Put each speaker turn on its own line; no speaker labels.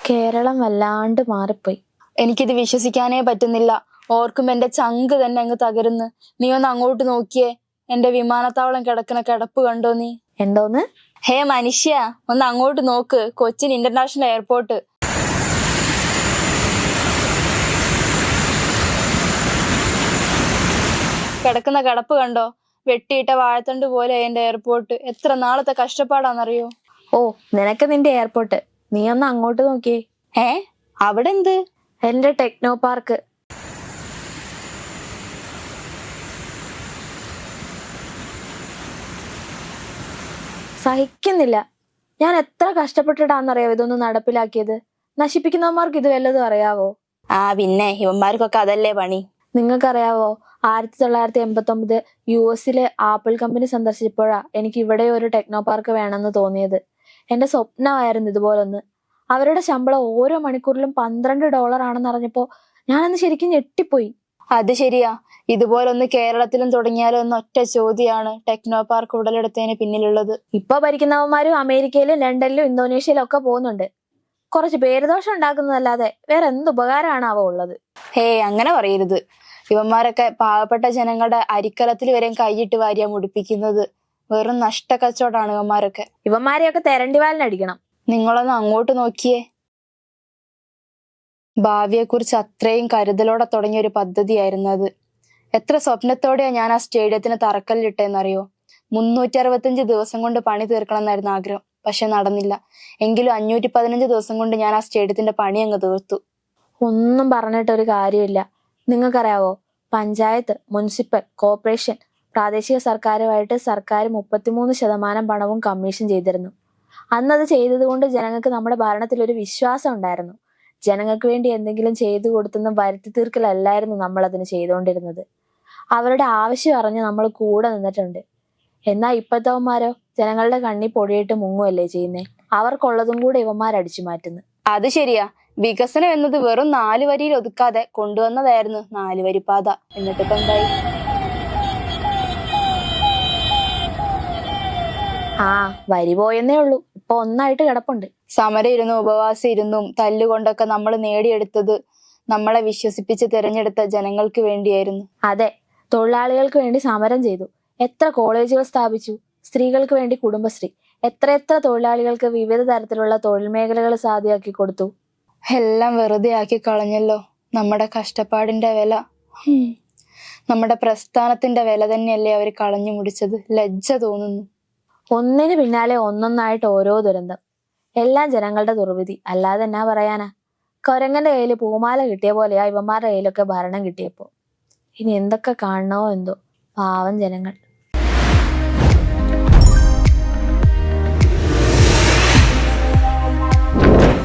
കേരളം വല്ലാണ്ട് മാറിപ്പോയി.
എനിക്കിത് വിശ്വസിക്കാനേ പറ്റുന്നില്ല. ഓർക്കുമ്പോ എന്റെ ചങ്ക് തന്നെ അങ്ങ് തകരുന്നു. നീ ഒന്ന് അങ്ങോട്ട് നോക്കിയേ, എന്റെ വിമാനത്താവളം കിടക്കുന്ന കിടപ്പ് കണ്ടോ നീ?
എന്തോന്ന്?
ഹേ മനുഷ്യ, ഒന്ന് അങ്ങോട്ട് നോക്ക്. കൊച്ചിൻ ഇന്റർനാഷണൽ എയർപോർട്ട് കിടക്കുന്ന കിടപ്പ് കണ്ടോ? വെട്ടിയിട്ട വാഴത്തണ്ട് പോലെ എന്റെ എയർപോർട്ട്. എത്ര നാളത്തെ കഷ്ടപ്പാടാന്നറിയോ?
ഓ, നിനക്ക് നിന്റെ എയർപോർട്ട്. നീ ഒന്ന് അങ്ങോട്ട് നോക്കിയേ.
അവിടെ എന്ത്?
എന്റെ ടെക്നോ പാർക്ക്. സഹിക്കുന്നില്ല. ഞാൻ എത്ര കഷ്ടപ്പെട്ടിട്ടാന്നറിയോ ഇതൊന്നും നടപ്പിലാക്കിയത്. നശിപ്പിക്കുന്നവന്മാർക്ക് ഇത് വല്ലതും അറിയാവോ?
പിന്നെ ഇവന്മാർക്കൊക്കെ അതല്ലേ പണി.
നിങ്ങൾക്കറിയാവോ, 1989 US ആപ്പിൾ കമ്പനി സന്ദർശിച്ചപ്പോഴാ എനിക്ക് ഇവിടെ ഒരു ടെക്നോ പാർക്ക് വേണമെന്ന് തോന്നിയത്. എന്റെ സ്വപ്നമായിരുന്നു ഇതുപോലൊന്ന്. അവരുടെ ശമ്പളം ഓരോ മണിക്കൂറിലും $12 ആണെന്ന് അറിഞ്ഞപ്പോ ഞാനന്ന് ശരിക്കും ഞെട്ടിപ്പോയി.
അത് ശരിയാ. ഇതുപോലൊന്ന് കേരളത്തിലും തുടങ്ങിയാലോ എന്ന ഒറ്റ ചോദ്യമാണ് ടെക്നോ പാർക്ക് ഉടലെടുത്തതിന് പിന്നിലുള്ളത്.
ഇപ്പൊ ഭരിക്കുന്നവന്മാരും അമേരിക്കയിലും ലണ്ടനിലും ഇന്തോനേഷ്യയിലും ഒക്കെ പോകുന്നുണ്ട്. കുറച്ച് പേരുദോഷം ഉണ്ടാക്കുന്നതല്ലാതെ വേറെ എന്ത് ഉപകാരമാണ് ഉള്ളത്?
അങ്ങനെ പറയരുത്. ഇവന്മാരൊക്കെ പാവപ്പെട്ട ജനങ്ങളുടെ അരിക്കലത്തിൽ വരെ കൈയിട്ട് വാരിയാ മുടിപ്പിക്കുന്നത്. വെറും നഷ്ടക്കച്ചവടമാണ് ഇവന്മാരൊക്കെ.
ഇവന്മാരെയൊക്കെ തെരണ്ടിവാലിനടിക്കണം.
നിങ്ങളൊന്ന് അങ്ങോട്ട് നോക്കിയേ. ഭാവിയെക്കുറിച്ച് അത്രയും കരുതലോടെ തുടങ്ങിയ ഒരു പദ്ധതിയായിരുന്നു അത്. എത്ര സ്വപ്നത്തോടെയാ ഞാൻ ആ സ്റ്റേഡിയത്തിന് തറക്കല്ലിട്ടെന്നറിയോ? 365 ദിവസം കൊണ്ട് പണി തീർക്കണം എന്നായിരുന്നു ആഗ്രഹം. പക്ഷെ നടന്നില്ല. എങ്കിലും 515 ദിവസം കൊണ്ട് ഞാൻ ആ സ്റ്റേഡിയത്തിന്റെ പണി അങ്ങ് തീർത്തു.
ഒന്നും പറഞ്ഞിട്ടൊരു കാര്യമില്ല. നിങ്ങൾക്കറിയാവോ, പഞ്ചായത്ത്, മുനിസിപ്പൽ കോർപ്പറേഷൻ, പ്രാദേശിക സർക്കാരുമായിട്ട് സർക്കാർ 33% പണവും കമ്മീഷൻ ചെയ്തിരുന്നു. അന്നത് ചെയ്തത് കൊണ്ട് ജനങ്ങൾക്ക് നമ്മുടെ ഭരണത്തിൽ ഒരു വിശ്വാസം ഉണ്ടായിരുന്നു. ജനങ്ങൾക്ക് വേണ്ടി എന്തെങ്കിലും ചെയ്തു കൊടുത്തെന്ന് വരുത്തി തീർക്കലല്ലായിരുന്നു നമ്മൾ അതിന് ചെയ്തുകൊണ്ടിരുന്നത്. അവരുടെ ആവശ്യം അറിഞ്ഞ് നമ്മൾ കൂടെ നിന്നിട്ടുണ്ട്. എന്നാൽ ഇപ്പോഴത്തവന്മാരോ ജനങ്ങളുടെ കണ്ണി പൊടിയിട്ട് മുങ്ങുമല്ലേ ചെയ്യുന്നേ. അവർക്കുള്ളതും കൂടെ ഇവന്മാരടിച്ചു മാറ്റുന്നു.
അത് ശരിയാ. വികസനം എന്നത് വെറും 4 വരിയിൽ ഒതുക്കാതെ കൊണ്ടുവന്നതായിരുന്നു 4 വരിപ്പാത. എന്നിട്ടിപ്പോ എന്തായി?
വരി പോയെന്നേ ഉള്ളൂ. ഇപ്പൊ ഒന്നായിട്ട് കിടപ്പുണ്ട്.
സമരം ഇരുന്നും ഉപവാസം ഇരുന്നും തല്ലുകൊണ്ടൊക്കെ നമ്മൾ നേടിയെടുത്തത് നമ്മളെ വിശ്വസിപ്പിച്ച് തിരഞ്ഞെടുത്ത ജനങ്ങൾക്ക് വേണ്ടിയായിരുന്നു.
അതെ, തൊഴിലാളികൾക്ക് വേണ്ടി സമരം ചെയ്തു. എത്ര കോളേജുകൾ സ്ഥാപിച്ചു. സ്ത്രീകൾക്ക് വേണ്ടി കുടുംബശ്രീ. എത്ര തൊഴിലാളികൾക്ക് വിവിധ തരത്തിലുള്ള തൊഴിൽ മേഖലകൾ സാധ്യമാക്കി കൊടുത്തു.
എല്ലാം വെറുതെ ആക്കി കളഞ്ഞല്ലോ. നമ്മുടെ കഷ്ടപ്പാടിന്റെ വില, നമ്മുടെ പ്രസ്ഥാനത്തിന്റെ വില തന്നെയല്ലേ അവർ കളഞ്ഞു മുടിച്ചത്. ലജ്ജ തോന്നുന്നു.
ഒന്നിന് പിന്നാലെ ഒന്നൊന്നായിട്ട് ഓരോ ദുരന്തം. എല്ലാം ജനങ്ങളുടെ ദുർവിധി, അല്ലാതെ എന്നാ പറയാനാ? കൊരങ്ങന്റെ കയ്യിൽ പൂമാല കിട്ടിയ പോലെയാ ഇവന്മാരുടെ കയ്യിലൊക്കെ ഭരണം കിട്ടിയപ്പോ. ഇനി എന്തൊക്കെ കാണണോ എന്തോ. പാവം ജനങ്ങൾ.